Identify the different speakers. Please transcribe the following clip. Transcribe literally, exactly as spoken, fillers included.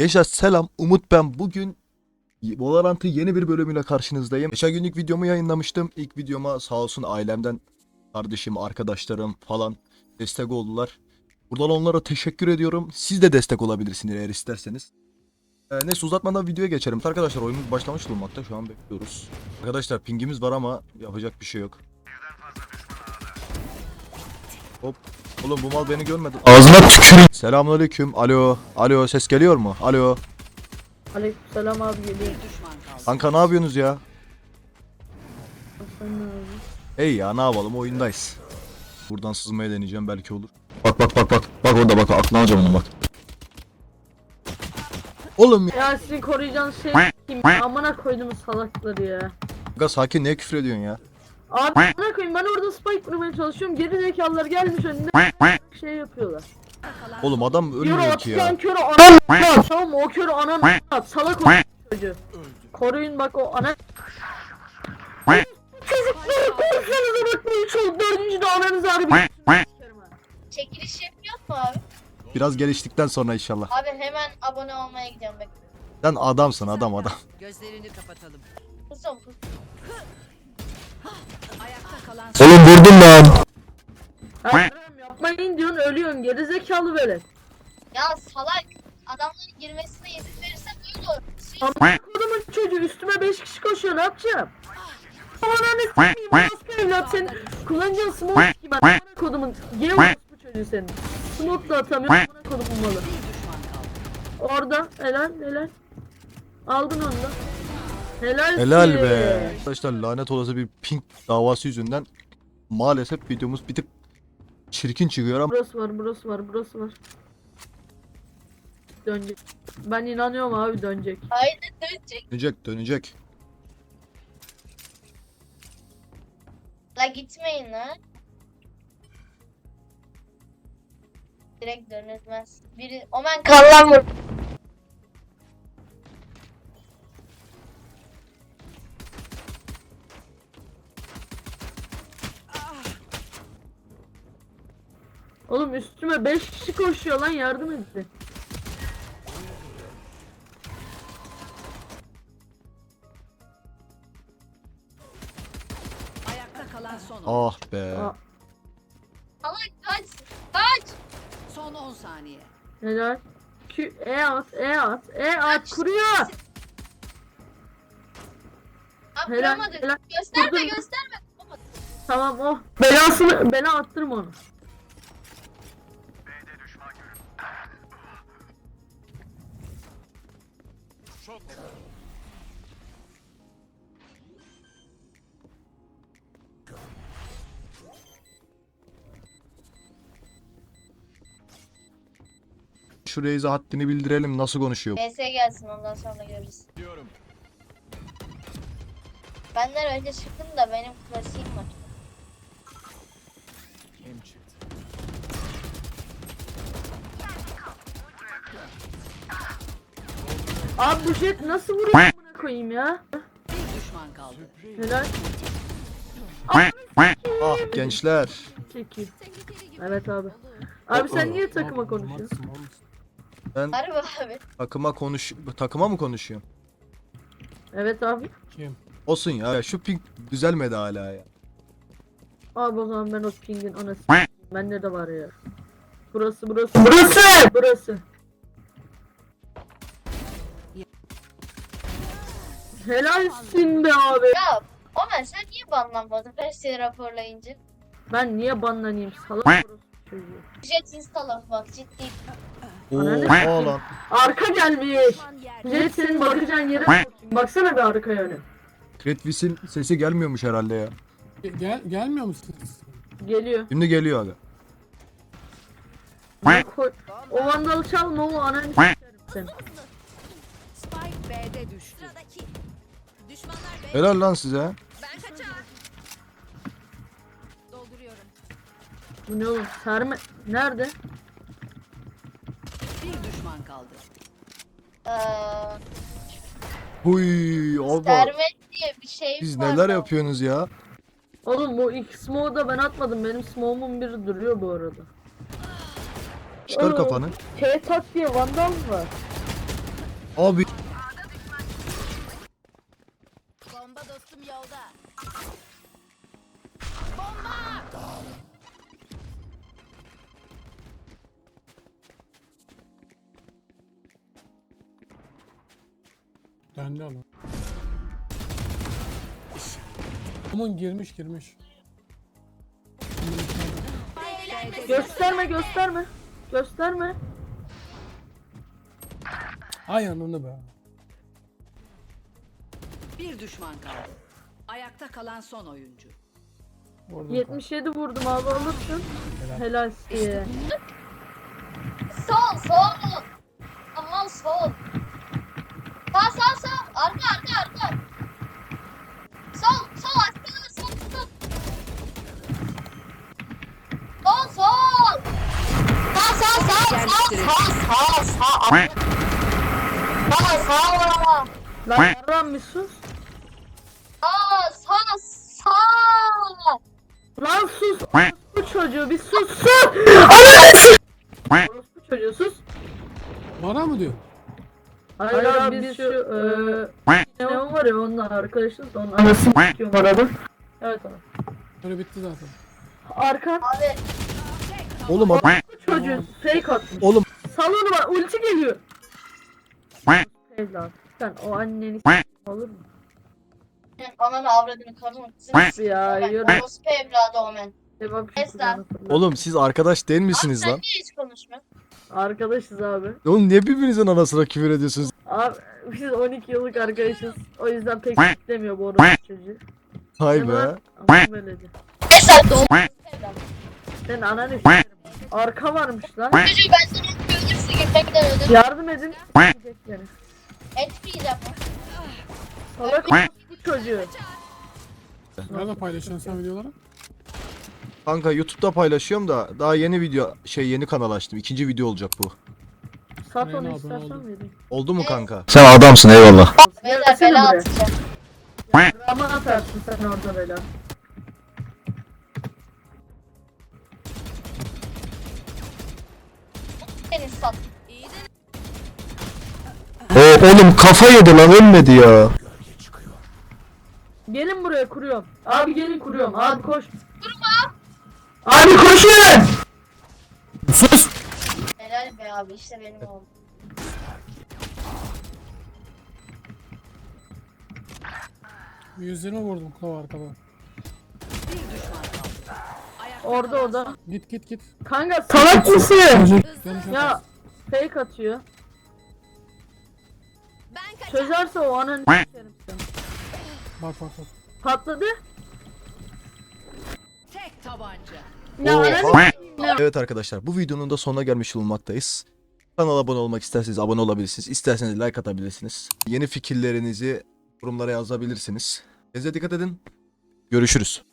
Speaker 1: Gençler selam, Umut ben. Bugün Valorant'ın yeni bir bölümüyle karşınızdayım. Geçen günlük videomu yayınlamıştım. İlk videoma sağ olsun ailemden, kardeşim, arkadaşlarım falan destek oldular. Buradan onlara teşekkür ediyorum. Siz de destek olabilirsiniz eğer isterseniz. Ee, neyse uzatmadan videoya geçelim. Arkadaşlar oyunumuz başlamış bulunmakta. Şu an bekliyoruz. Arkadaşlar pingimiz var ama yapacak bir şey yok. Hop. Oğlum bu mal beni görmedi.
Speaker 2: Ağzına tüküreyim.
Speaker 1: Selamünaleyküm. Alo. Alo, ses geliyor mu? Alo.
Speaker 3: Aleykümselam abi geliyor.
Speaker 1: Kanka ne yapıyorsunuz ya?
Speaker 3: Sen ne abi?
Speaker 1: Hey ya ne yapalım, oyundayız. Buradan sızmaya deneyeceğim, belki olur.
Speaker 2: Bak bak bak bak. Bak orada bak. Aklına alacağım onu bak.
Speaker 1: Oğlum ya.
Speaker 3: Ya sizin koruyacağınız şey kim? Amına koyduğumuz salakları ya.
Speaker 1: Kanka sakin, niye küfür ediyorsun ya?
Speaker 3: Abi amına koyayım, ben orada spike vurmaya çalışıyorum. Geri zekalılar gelmiş önüne şey yapıyorlar.
Speaker 1: Oğlum adam
Speaker 3: Yürü
Speaker 1: ölmüyor ki ya.
Speaker 3: atlayan körü anan at. Tamam mı? O körü anan at. Salak o çocuğu. Koruyun bak o ana. Çocukları korsanıza bak, bu üç oldu. Dördüncü de ananızı harbi.
Speaker 4: Çekiliş yapıyor mu abi?
Speaker 1: Biraz geliştikten sonra inşallah.
Speaker 4: Abi hemen abone olmaya gidiyorum bak.
Speaker 1: Sen adamsın, adam adam.
Speaker 5: Gözlerini kapatalım.
Speaker 4: Kusum kus.
Speaker 5: Ayakta kalan
Speaker 2: Oğlum vurdum lan.
Speaker 3: Hayır yapmayın diyorsun, ölüyorsun. Geri zekalı böyle.
Speaker 4: Ya salak. Adamların girmesine izin verirsen öyle olur. Siz
Speaker 3: Amına kodumun çocuğu, üstüme beş kişi koşuyor, ne yapacağım? Ananı s**eyim, nasıl evlat sen kullanacağın smoke gibi, amına kodumun geri bu çocuğu senin. Smoke da atamıyor, amına kodumun malı. Orada helal helal. Aldın onu da. Helal
Speaker 1: Helal be. Arkadaşlar lanet olası bir ping davası yüzünden maalesef videomuz bir tık çirkin çıkıyor ama
Speaker 3: Burası var, burası var, burası var. Dönecek. Ben inanıyorum abi, dönecek.
Speaker 4: haydi dönecek.
Speaker 1: dönecek dönecek.
Speaker 4: La gitmeyin la. Direkt dönülmez. Biri Omen kallan vur.
Speaker 3: Oğlum üstüme beş kişi koşuyor lan, yardım edin.
Speaker 5: ayakta kalan son.
Speaker 1: Ah be.
Speaker 3: Aa,
Speaker 4: Salak kaç. Kaç.
Speaker 5: Son on saniye.
Speaker 3: helal. Q, E at, E at, E at, kuruyor.
Speaker 4: Abi
Speaker 3: Helal,
Speaker 4: vuramadık.
Speaker 3: helal.
Speaker 4: Gösterme
Speaker 3: Vurdum.
Speaker 4: gösterme. Olmadı.
Speaker 3: Tamam oh. Belasını, bela attırma onu.
Speaker 1: Şu Reis'e haddini bildirelim, nasıl konuşuyor.
Speaker 4: B S gelsin, ondan sonra görürüz. Benden önce çıktım da benim klasiğim var.
Speaker 3: Abi bu jet nasıl vuruyor amına koyayım ya?
Speaker 5: Bir düşman kaldı.
Speaker 3: Helal.
Speaker 1: Ah gençler.
Speaker 3: Çekil. Evet abi. Abi sen niye takıma konuşuyorsun?
Speaker 1: Ben
Speaker 4: Harbi abi.
Speaker 1: takıma konuş takıma mı konuşuyorum?
Speaker 3: Evet abi.
Speaker 1: Olsun ya. Ya şu ping düzelmedi hala ya.
Speaker 3: Abi o zaman ben o pingin anası. Bende de var ya. Burası burası. Burası! Burası. Helalsin be abi.
Speaker 4: Ya Omen sen niye banlanmadın her şeyi raporlayınca?
Speaker 3: Ben niye banlanayım salak orospu çocuğu.
Speaker 4: Jet install bak ciddi.
Speaker 1: Oo lan.
Speaker 3: Arka gelmiş. Jet senin bakacağın yere sokayım. Baksana bir arkaya öne.
Speaker 1: Kretvis'in sesi gelmiyormuş herhalde ya.
Speaker 6: Gel gelmiyor musunuz?
Speaker 3: Geliyor.
Speaker 1: Şimdi geliyor aga.
Speaker 3: Ya koy- O vandalı çalma, o ananı s**erim seni.
Speaker 5: Spike B'de düştü.
Speaker 1: Helal lan size.
Speaker 5: Dolduruyorum.
Speaker 3: Bu ne oğlum? Serme... Nerede?
Speaker 5: Bir düşman kaldı.
Speaker 4: Eee
Speaker 1: Huy abi.
Speaker 4: Sermet diye bir şey
Speaker 1: Siz
Speaker 4: var
Speaker 1: neler
Speaker 4: da.
Speaker 1: yapıyorsunuz ya?
Speaker 3: Oğlum bu ilk smoke'u da ben atmadım. Benim smoke'umun biri duruyor bu arada.
Speaker 1: Çıkar
Speaker 3: Oo,
Speaker 1: kafanı.
Speaker 3: T-Tak diye vandal var.
Speaker 1: Abi
Speaker 5: Bomba dostum yolda.
Speaker 6: Döndü ama. Aman girmiş girmiş.
Speaker 3: Gösterme gösterme. Gösterme.
Speaker 6: Ay ananı be.
Speaker 5: Bir düşman kaldı. Ayakta kalan son oyuncu.
Speaker 6: Orada
Speaker 3: yetmiş yedi vurdum abi alırsın. Helal size.
Speaker 4: Sol sol. Aman sol. Sağ sağ sağ. Arka arka arka. Sol sol arka sol sol. Sol sol. Sağ sağ sağ sağ sağ sağ sağ. Sağ sağ.
Speaker 3: Lan yarram bir sus.
Speaker 4: Sağ sağ sağ.
Speaker 3: Lan sus. Bu çocuğu bir sus sus. Ananı s- Orospu çocuğu sus.
Speaker 6: Bana mı diyor?
Speaker 3: Hayır abi biz şu eee ne var ya onunla arkadaşız da onun anasını s**iyorum arada. Evet abi.
Speaker 6: Böyle bitti zaten.
Speaker 3: Arkan
Speaker 4: Abi
Speaker 1: oğlum adam,
Speaker 3: bu çocuğu fake atmış.
Speaker 1: oğlum
Speaker 3: Salonu var ulti geliyor. Evlat sen o anneni s- olur mu?
Speaker 4: ananı avradını karımı kızını
Speaker 3: Ya yürü.
Speaker 4: Orospu evladı o men.
Speaker 3: Cevap şu
Speaker 4: Esra.
Speaker 3: kulağına fırlat.
Speaker 1: oğlum siz arkadaş değil
Speaker 4: Abi
Speaker 1: misiniz
Speaker 4: sen
Speaker 1: lan?
Speaker 4: niye hiç konuşmuyorsun?
Speaker 3: Arkadaşız abi.
Speaker 1: Oğlum niye birbirinizin anasına küfür ediyorsunuz?
Speaker 3: Abi biz on iki yıllık arkadaşız. O yüzden pek istemiyor bu orospu çocuğu.
Speaker 1: Hay
Speaker 3: Ne
Speaker 1: be.
Speaker 3: var? Ama böylece.
Speaker 4: Esra doğum evladı.
Speaker 3: Sen ananı s**erim. Arka varmış lan.
Speaker 4: Çocuğu ben sana öldürürse gitmekten öldürürüm.
Speaker 3: Yardım edin. Gidecek yani.
Speaker 4: Etmeyeceğim.
Speaker 3: Salak bu çocuğu.
Speaker 6: Nerede paylaşıyorsun sen videoları?
Speaker 1: Kanka YouTube'da paylaşıyorum da daha yeni video şey yeni kanal açtım. İkinci video olacak bu.
Speaker 3: Sat
Speaker 6: Aynen
Speaker 3: onu
Speaker 6: abi,
Speaker 3: istersen
Speaker 6: oldu.
Speaker 3: vereyim.
Speaker 1: Oldu mu kanka?
Speaker 2: Sen adamsın eyvallah.
Speaker 4: Beyler
Speaker 3: Gelsene
Speaker 4: bela
Speaker 3: buraya.
Speaker 4: atacağım.
Speaker 3: Ama atarsın sen orada bela.
Speaker 4: Seni sat.
Speaker 2: O oğlum kafa yedi lan ölmedi ya.
Speaker 3: Gelin buraya kuruyorum. Abi gelin kuruyorum. Abi koş. Kurma. Abi koşun.
Speaker 1: Sus!
Speaker 4: Helal be abi işte benim oğlum.
Speaker 6: yüz yirmi vurdum kulağı arkada.
Speaker 5: Bir düşman kaldı. Ayakta
Speaker 3: Orada
Speaker 5: kalan
Speaker 3: orada.
Speaker 5: son-
Speaker 6: Git git git.
Speaker 3: Kanka salak mısın?
Speaker 6: Yanlış
Speaker 3: Ya
Speaker 6: yaparsın.
Speaker 3: fake atıyor.
Speaker 5: Ben kaç.
Speaker 3: Çözerse o ananı s**erim seni.
Speaker 6: Bak bak bak.
Speaker 3: Patladı.
Speaker 5: Tek tabanca.
Speaker 3: Ya
Speaker 1: Oha.
Speaker 3: ananı s**erim.
Speaker 1: Evet arkadaşlar bu videonun da sonuna gelmiş bulunmaktayız. Kanala abone olmak isterseniz abone olabilirsiniz. İsterseniz like atabilirsiniz. Yeni fikirlerinizi yorumlara yazabilirsiniz. Kendinize dikkat edin. Görüşürüz.